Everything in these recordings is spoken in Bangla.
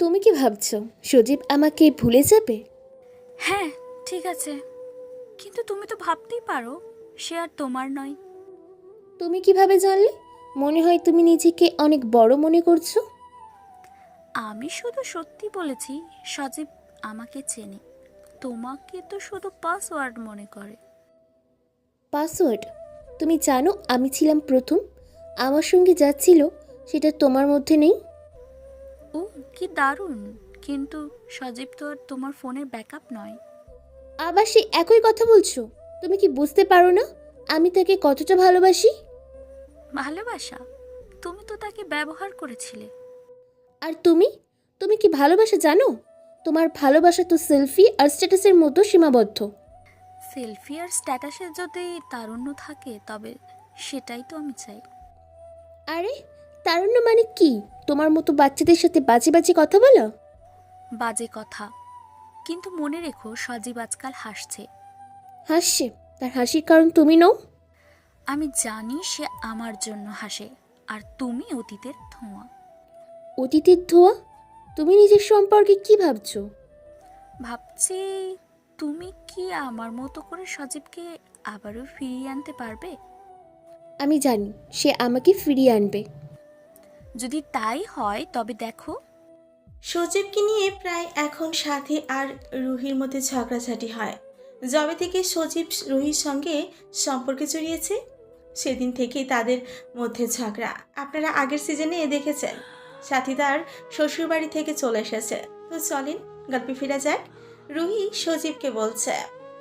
তুমি কি ভাবছো সজীব আমাকে ভুলে যাবে? হ্যাঁ, ঠিক আছে, কিন্তু তুমি তো ভাবতেই পারো সে আর তোমার নয়। তুমি কিভাবে জানলে? মনে হয় তুমি নিজেকে অনেক বড় মনে করছো। আমি শুধু সত্যি বলেছি, সজীব আমাকে চেনে, তোমাকে তো শুধু পাসওয়ার্ড মনে করে। পাসওয়ার্ড? তুমি জানো আমি ছিলাম প্রথম। আমার সঙ্গে যাচ্ছিল সেটা তোমার মধ্যে নেই। ও, কি দারুণ! কিন্তু সজীব তো আর তোমার ফোনের ব্যাকআপ নয়। আবার সে একই কথা বলছো। তুমি কি বুঝতে পারো না আমি তাকে কতটা ভালোবাসি? ভালোবাসা? তুমি তো তাকে ব্যবহার করেছিলে। আর তুমি, তুমি কি ভালোবাসা জানো? তোমার ভালোবাসা তো সেলফি আর স্ট্যাটাসের মতো সীমাবদ্ধ। সেলফি আর স্ট্যাটাসে যদি তারুণ্য থাকে তবে সেটাই তো আমি চাই। আরে, তারুণ্য মানে কি? তোমার মতো বাচ্চাদের সাথে বাজে বাজে কথা বলা? বাজে কথা, কিন্তু মনে রেখো সজীব আজকাল হাসছে। হাসছে? তার হাসির কারণ তুমি নও। আমি জানি সে আমার জন্য হাসে, আর তুমি অতীতের ধোঁয়া। অতীতের ধোঁয়া? তুমি নিজের সম্পর্কে কি ভাবছো? ভাবছি, তুমি কি আমার মতো করে সজীবকে আবারও ফিরিয়ে আনতে পারবে? আমি জানি সে আমাকে ফিরিয়ে আনবে। যদি তাই হয় তবে দেখো। সজীবকে নিয়ে প্রায় এখন সাথী আর রুহির মধ্যে ঝগড়াঝাটি হয়। যবে থেকে সজীব রুহির সঙ্গে সম্পর্কে জড়িয়েছে সেদিন থেকেই তাদের মধ্যে ঝগড়া। আপনারা আগের সিজনে দেখেছেন সাথী তার শ্বশুরবাড়ি থেকে চলে এসেছে। তো চলেন গল্পে ফিরে যাক। রুহি সজীবকে বলছে,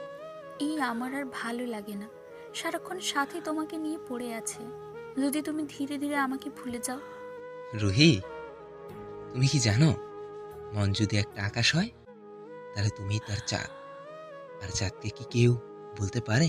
এই আমার আর ভালো লাগে না, সারাক্ষণ সাথে তোমাকে নিয়ে পড়ে আছে। যদি তুমি ধীরে ধীরে আমাকে ভুলে যাও। রুহি, তুমি কি জানো মন যদি একটা আকাশ হয় তাহলে তুমি তার চাঁদ। আর চাঁদকে কি কেউ বলতে পারে?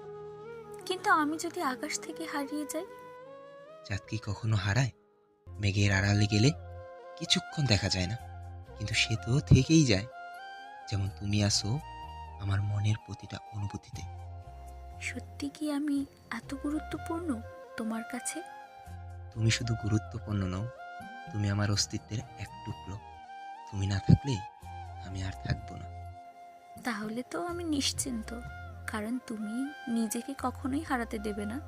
কিন্তু আমি যদি আকাশ থেকে হারিয়ে যাই? চাঁদ কি কখনো হারায়? মেঘের আড়ালে গেলে কিছুক্ষণ দেখা যায় না, কিন্তু সে তো থেকেই যায়। যেমন তুমি আসো আমার মনের প্রতিটা অনুভূতিতে। সত্যি কি আমি এত গুরুত্বপূর্ণ তোমার কাছে? তুমি শুধু গুরুত্বপূর্ণ নও, তুমি আমার অস্তিত্বের এক টুকরো। তুমি না থাকলে আমি আর থাকবো না। তাহলে তো আমি নিশ্চিন্ত, কারণ তুমি নিজেকে কখনোই হারাতে দেবে না।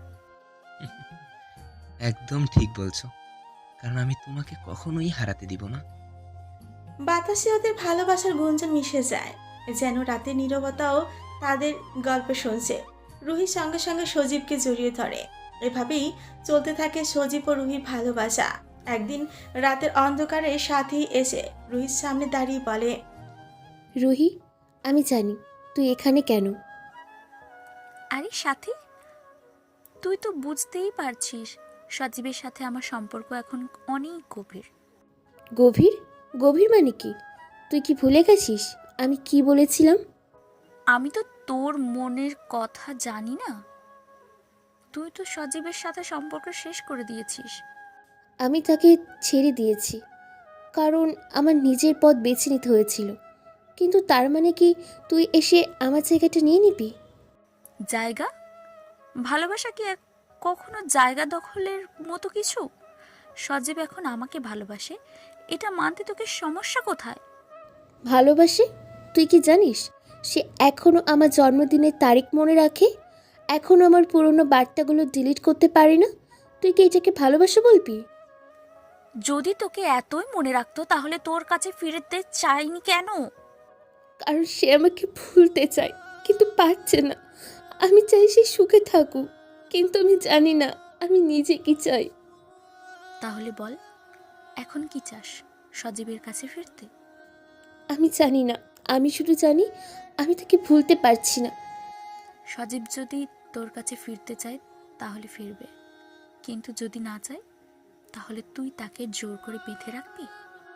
একদম ঠিক বলছো, কারণ আমি তোমাকে কখনোই হারাতে দিব না। বাতাসে ওদের ভালোবাসার গুঞ্জন মিশে যায়, যেন রাতের নীরবতাও তাদের গল্প শুনছে। রুহির সঙ্গে সঙ্গে সজীবকে জড়িয়ে ধরে। এভাবেই চলতে থাকে সজীব ও রুহির ভালোবাসা। একদিন রাতের অন্ধকারে সাথী এসে রুহির সামনে দাঁড়িয়ে বলে, রুহি, আমি জানি তুই এখানে কেন। আরে সাথী, তুই তো বুঝতেই পারছিস সজীবের সাথে আমার সম্পর্ক এখন অনেক গভীর। গভীর? গভীর মানে কি? তুই কি ভুলে গেছিস আমি কি বলেছিলাম? আমি তো তোর মনের কথা জানি না। তুই তো সজীবের সাথে সম্পর্ক শেষ করে দিয়েছিস। আমি তাকে ছেড়ে দিয়েছি কারণ আমার নিজের পথ বেছে নিতে হয়েছিল। কিন্তু তার মানে কি তুই এসে আমার জায়গাটা নিয়ে নিবি? জায়গা? ভালোবাসা কি কখনো জায়গা দখলের মতো কিছু? সজীব এখন আমাকে ভালোবাসে, এটা মানতে তোকে সমস্যা কোথায়? ভালোবাসে? তুই কি জানিস সে এখনও আমার জন্মদিনের তারিখ মনে রাখে, এখনও আমার পুরনো বার্তাগুলো ডিলিট করতে পারে না। তুই কি এটাকে ভালোবাসা বলবি? যদি তোকে এতই মনে রাখতো তাহলে তোর কাছে ফিরতে চাইনি কেন? কারণ সে আমাকে ভুলতে চায় কিন্তু পারছে না। আমি চাই সে সুখে থাকুক, কিন্তু আমি জানি না আমি নিজে কি চাই। তাহলে বল, এখন কি চাস? সজীবের কাছে ফিরতে? আমি জানি না, আমি শুধু জানি আমি তাকে ভুলতে পারছি না। সজীব যদি তোর কাছে ফিরতে চায় তাহলে ফিরবে, কিন্তু যদি না চায় তাহলে তুই তাকে জোর করে বেঁধে রাখবি?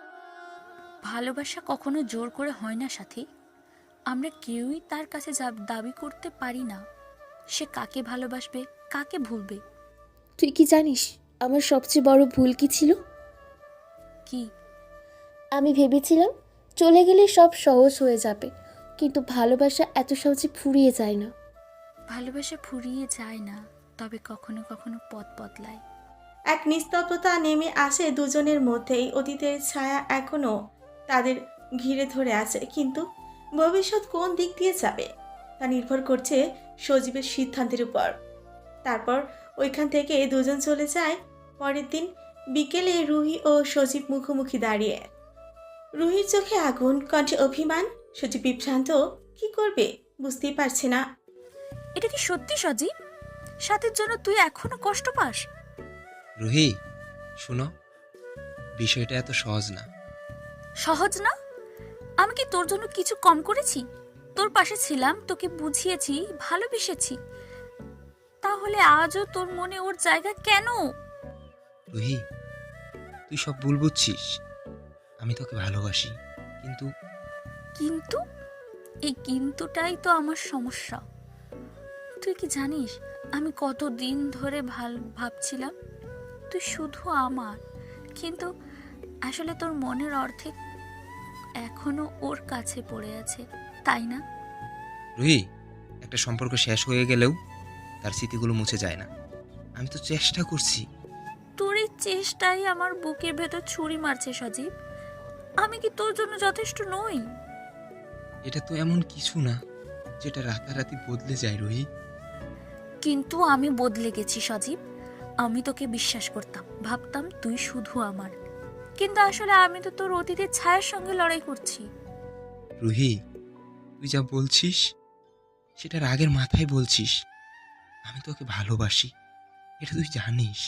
ভালোবাসা কখনো জোর করে হয় না সাথী। আমরা কেউই তার কাছে দাবি করতে পারি না সে কাকে ভালোবাসবে, কাকে ভুলবে। তুই কি জানিস আমার সবচেয়ে বড় ভুল কি ছিল? কি? আমি ভেবেছিলাম চলে গেলে সব সহজ হয়ে যাবে, কিন্তু ভালোবাসা এত সহজে ফুরিয়ে যায় না। ভালোবাসা ফুরিয়ে যায় না, তবে কখনো কখনো পথ বদলায়। এক নিস্তব্ধতা নেমে আসে দুজনের মধ্যেই। অতীতের ছায়া এখনো তাদের ঘিরে ধরে আছে, কিন্তু ভবিষ্যৎ কোন দিক দিয়ে যাবে তা নির্ভর করছে সজীবের সিদ্ধান্তের উপর। তারপর ওইখান থেকে দুজন চলে যায়। পরের দিন বিকেলে রুহি ও সজীব মুখোমুখি দাঁড়িয়ে। রুহির চোখে আগুন, কণ্ঠে অভিমান। সজীব বিভ্রান্ত, কি করবে বুঝতেই পারছে না। এটা কি সত্যি সজীব? সাথের জন্য তুই এখনো কষ্ট পাস? রুহি, শুনো, বিষয়টা এত সহজ না। সহজ না? আমি কি তোর জন্য কিছু কম করেছি? তোর পাশে ছিলাম, তোকে বুঝিয়েছি, ভালোবেসেছি, তাহলে আজও তোর মনে ওর জায়গা কেন? রুহি, তুই সব ভুল বুঝছিস। আমি তোকে ভালোবাসি, কিন্তু কিন্তু এই কিন্তুটাই তো আমার সমস্যা। তুই কি জানিস আমি কতদিন ধরে ভাবছিলাম তুই শুধু আমার, কিন্তু আসলে তোর মনের অর্ধেক এখনো ওর কাছে পড়ে আছে, তাই না? রুহি, একটা সম্পর্ক শেষ হয়ে গেলেও তার স্মৃতিগুলো মুছে যায় না। আমি তো চেষ্টা করছি। তোর এই চেষ্টাই আমার বুকের ভেতর ছুরি মারছে সজীব। আমি কি তোর জন্য যথেষ্ট নই? এটা তো এমন কিছু না যেটা রাতারাতি বদলে যায় রুহি। কিন্তু আমি বদলে গেছি সজীব। আমি তোকে বিশ্বাস করতাম, ভাবতাম তুই শুধু আমার, কিন্তু আসলে আমি তো তোর অতীতের ছায়ার সঙ্গে লড়াই করছি। রুহি, তুই যা বলছিস সেটা রাগের মাথায় বলছিস। আমি তোকে ভালোবাসি, এটা তুই জানিস।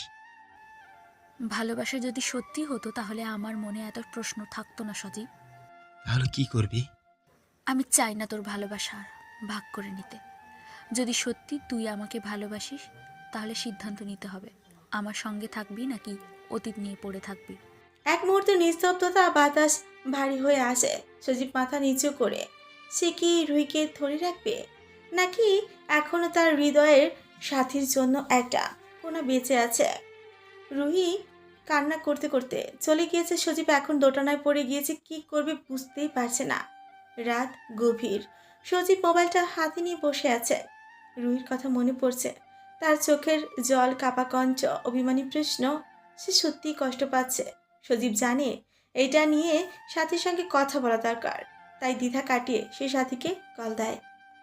ভালোবাসা যদি সত্যি হতো তাহলে আমার মনে এত প্রশ্ন থাকতো না সজীব। তাহলে কি করবি? আমি চাই না তোর ভালোবাসা ভাগ করে নিতে। যদি সত্যি তুই আমাকে ভালোবাসিস তাহলে সিদ্ধান্ত নিতে হবে, আমার সঙ্গে থাকবি নাকি অতীত নিয়ে পড়ে থাকবি। এক মুহূর্তে নিস্তব্ধতা, বাতাস ভারী হয়ে আসে। সজীব মাথা নিচু করে, সে কি রুহিকে ধরে রাখবে, নাকি এখনো তার হৃদয়ের সাথীর জন্য একটা কোনা বেঁচে আছে? রুহি কান্না করতে করতে চলে গিয়েছে। সজীব এখন দোটানায় পড়ে গিয়েছে, কি করবে বুঝতেই পারছে না। রাত গভীর। সজীব মোবাইলটা হাতে নিয়ে বসে আছে। রুহির কথা মনে পড়ছে, তার চোখের জল, কাপা কঞ্চ, অভিমানী প্রশ্ন। সে সত্যিই কষ্ট পাচ্ছে। সজীব জানে এটা নিয়ে সাথীর সঙ্গে কথা বলা দরকার, তাই দ্বিধা কাটিয়ে সে সাথীকে কল দেয়।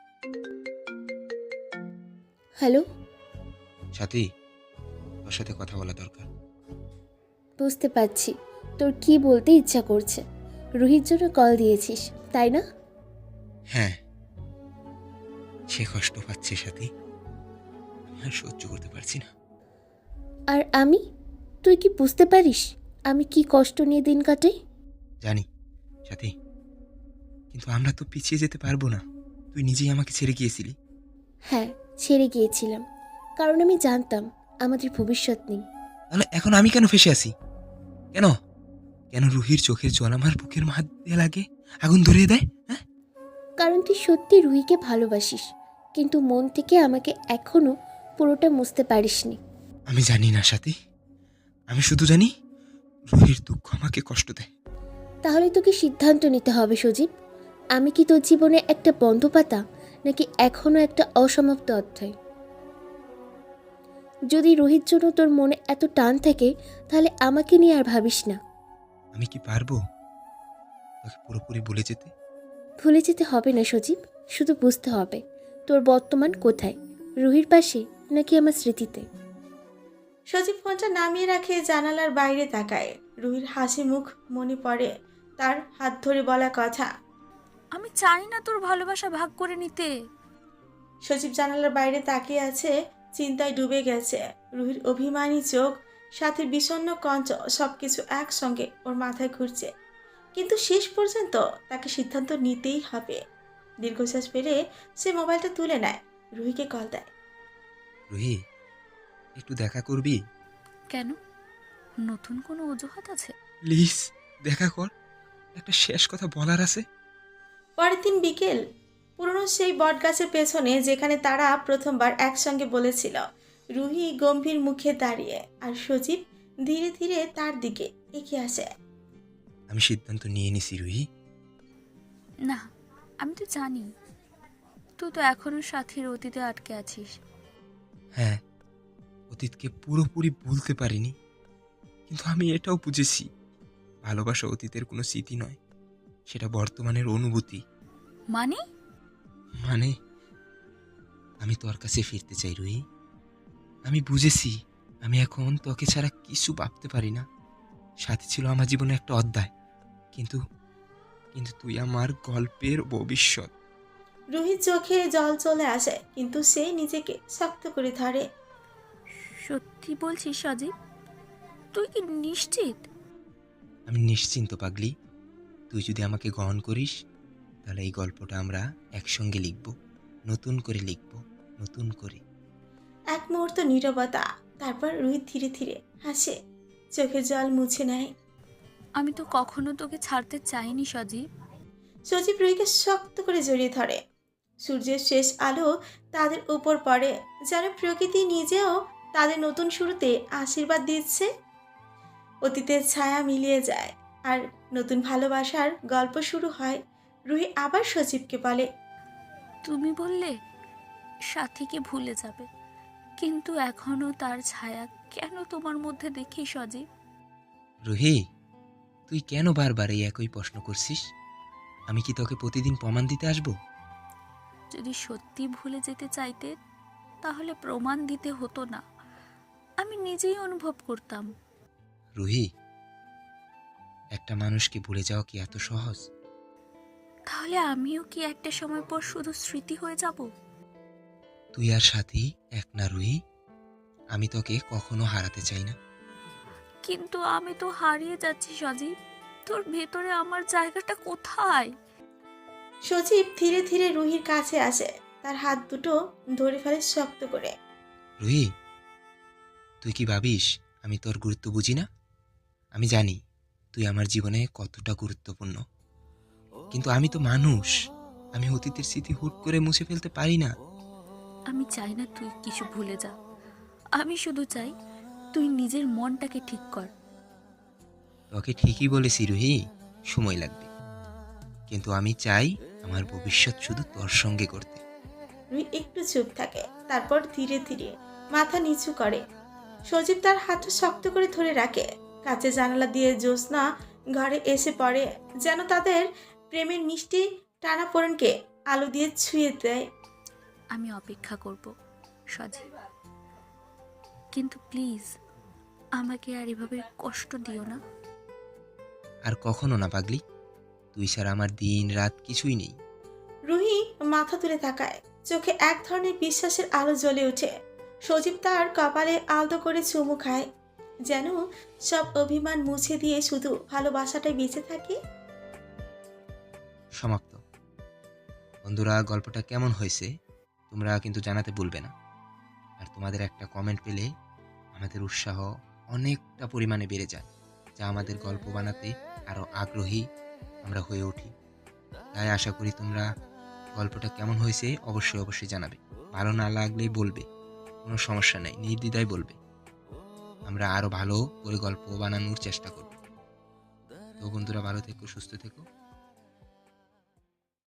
হ্যালো। সাথী, তোর সাথে কথা বলা দরকার। বুঝতে পারছি তোর কি বলতে ইচ্ছা করছে। রুহির জন্য কল দিয়েছিস, তাই না? হ্যাঁ, সে কষ্ট পাচ্ছে সাথী, আমি আর সহ্য করতে পারছি না। আর আমি, তুই কি বুঝতে পারিস আমি কি কষ্ট নিয়ে দিন কাটাই? জানি সাথী, কিন্তু আমরা তো পিছিয়ে যেতে পারবো না। তুই নিজেই আমাকে ছেড়ে গিয়েছিলি। হ্যাঁ, ছেড়ে গিয়েছিলাম, কারণ আমি জানতাম আমাদের ভবিষ্যৎ নেই। তাহলে এখন আমি কেন ফেসে আছি? কেন কেন রুহির চোখের জল আমার বুকের মধ্যে লাগে, আগুন ধরিয়ে দেয়? হ্যাঁ, কারণ তুই সত্যি রুহিকে ভালোবাসিস, কিন্তু মন থেকে আমাকে এখনো পুরোটা মুছতে পারিসনি। আমি জানি না সাথী, আমি শুধু জানি রুহির দুঃখ আমাকে কষ্ট দেয়। তাহলে তোকে সিদ্ধান্ত নিতে হবে সজীব। আমি কি তোর জীবনে একটা বন্ধ পাতা, নাকি এখনো একটা অসমাপ্ত অধ্যায়? যদি রোহিত জন্য তোর মনে এত টান থাকে তাহলে আমাকে নিয়ে আর ভাবিস না। আমি কি পারবো তোকে পুরোপুরি ভুলে যেতে? ভুলে যেতে হবে না সজীব, শুধু বুঝতে হবে তোর বর্তমান কোথায়, রুহির পাশে নাকি আমার স্মৃতিতে। সজীব ফোনটা নামিয়ে রাখে, জানালার বাইরে তাকায়। রুহির হাসি মুখ মনে পড়ে, তার হাত ধরে বলা কথা। আমি চাই না তোর ভালোবাসা ভাগ করে নিতে। সজীব জানালার বাইরে তাকিয়ে আছে, চিন্তায় ডুবে গেছে। রুহির অভিমানী চোখ, সাথে বিষণ্ণ কঞ্চ, সবকিছু একসঙ্গে ওর মাথায় ঘুরছে। কিন্তু শেষ পর্যন্ত তাকে সিদ্ধান্ত নিতেই হবে। দীর্ঘশ্বাস ফেলে সে মোবাইলটা তুলে নেয়, রুহিকে কল দেয়। রুহি, একটু দেখা করবি? কেন, নতুন কোনো অজুহাত আছে? প্লিজ দেখা কর, একটা শেষ কথা বলার আছে। পরের দিন বিকেল, পুরনো সেই বটগাছের পেছনে যেখানে তারা প্রথমবার একসঙ্গে বলেছিল। রুহি গম্ভীর মুখে দাঁড়িয়ে, আর সজীব ধীরে ধীরে তার দিকে এগিয়ে আসে। আমি সিদ্ধান্ত নিয়ে নিছি রুহি। না, আমি তো জানি তুই তো এখনো সাথীর অতীতে আটকে আছিস। হ্যাঁ, অতীতকে পুরোপুরি ভুলতে পারিনি, কিন্তু আমি এটাও বুঝেছি ভালোবাসা অতীতের কোনো স্মৃতি নয়, সেটা বর্তমানের অনুভূতি। মানে? মানে আমি তোর কাছে ফিরতে চাই রুহি। আমি বুঝেছি আমি এখন তোকে ছাড়া কিছু ভাবতে পারি না। সাথে ছিল আমার জীবনে একটা অধ্যায়, কিন্তু কিন্তু তুই আমার গল্পের ভবিষ্যৎ। রুহির চোখে জল চলে আসে, কিন্তু সে নিজেকে শক্ত করে ধরে। সত্যি বলছিস সজীব? তুই কি নিশ্চিত? আমি নিশ্চিন্ত পাগলি। তুই যদি আমাকে গ্রহণ করিস তাহলে এই গল্পটা আমরা একসঙ্গে লিখব, নতুন করে লিখব, নতুন করে। এক মুহূর্ত নীরবতা, তারপর রুহি ধীরে ধীরে হাসে, চোখের জল মুছে নেয়। আমি তো কখনো তোকে ছাড়তে চাইনি সজীব। সজীব রুহিকে শক্ত করে জড়িয়ে ধরে। সূর্যের শেষ আলো তাদের উপর পড়ে, যেন প্রকৃতি নিজেও তাদের নতুন শুরুতে আশীর্বাদ দিচ্ছে। অতীতের ছায়া মিলিয়ে যায় আর নতুন ভালোবাসার গল্প শুরু হয়। রুহি আবার সজীবকে বলে, তুমি বললে সাথীকে ভুলে যাবে, কিন্তু এখনো তার ছায়া কেন তোমার মধ্যে দেখি সজীব? রুহি, তুই কেন বারবার এই একই প্রশ্ন করছিস? আমি কি তোকে প্রতিদিন প্রমাণ দিতে আসবো? যদি সত্যি ভুলে যেতে চাইতে তাহলে প্রমাণ দিতে হতো না, আমি নিজেই অনুভব করতাম। রুহি, একটা মানুষকে ভুলে যাওয়া কি এত সহজ? তাহলে আমিও কি একটা সময় পর শুধু স্মৃতি হয়ে যাব? তুই আর সাথী এক না রুহি। আমি তোকে কখনো হারাতে চাই না। কিন্তু আমি তো হারিয়ে যাচ্ছি সজীব। তোর ভেতরে আমার জায়গাটা কোথায়? সজীব ধীরে ধীরে রুহির কাছে আসে, তার হাত দুটো ধরে ফেলে শক্ত করে। রুহি, তুই কি ভাবিস আমি তোর গুরুত্ব বুঝি না? আমি জানি তুই আমার জীবনে কতটা গুরুত্বপূর্ণ, কিন্তু আমি তো মানুষ। আমি অতীতের স্মৃতি হুট করে মুছে ফেলতে পারি না। আমি চাই না তুই কিছু ভুলে যা। আমি শুধু চাই তুই নিজের মনটাকে ঠিক কর। তোকে ঠিকই বলেছি রুহি, সময় লাগবে, কিন্তু আমি চাই আমার ভবিষ্যৎ শুধু তোর সঙ্গে করতে। রুহি একটু চুপ থাকে, তারপর ধীরে ধীরে মাথা নিচু করে। সজীব তার হাতটা শক্ত করে ধরে রাখে। কাছে জানালা দিয়ে জ্যোৎস্না ঘরে এসে পড়ে, যেন তাদের প্রেমের মিষ্টি টানাপোড়েনকে আলো দিয়ে ছুঁয়ে দেয়। আমি অপেক্ষা করব সজীব, কিন্তু প্লিজ আমাকে আর এভাবে কষ্ট দিও না। আর কখনো না পাগলি, তুই ছাড়া আমার দিন রাত কিছুই নেই। রুহি মাথা তুলে তাকায়, চোখে এক ধরনের বিশ্বাসের আলো জ্বলে ওঠে। সজীব তার কপালে আলতো করে চুমু খায়, যেন সব অভিমান মুছে দিয়ে শুধু ভালোবাসাটাই বেঁচে থাকে। সমাপ্ত। বন্ধুরা, গল্পটা কেমন হয়েছে তোমরা কিন্তু জানাতে ভুলবে না। আর তোমাদের একটা কমেন্ট পেলে আমাদের উৎসাহ অনেকটা পরিমাণে বেড়ে যায়, যা আমাদের গল্প বানাতে আরও আগ্রহী আমরা হয়ে উঠি। তাই আশা করি তোমরা গল্পটা কেমন হয়েছে অবশ্যই অবশ্যই জানাবে। ভালো না লাগলেই বলবে, কোনো সমস্যা নেই, নির্দ্বিধায় বলবে। আমরা আরও ভালো করে গল্প বানানোর চেষ্টা করব। তো বন্ধুরা, ভালো থেকো, সুস্থ থেকো।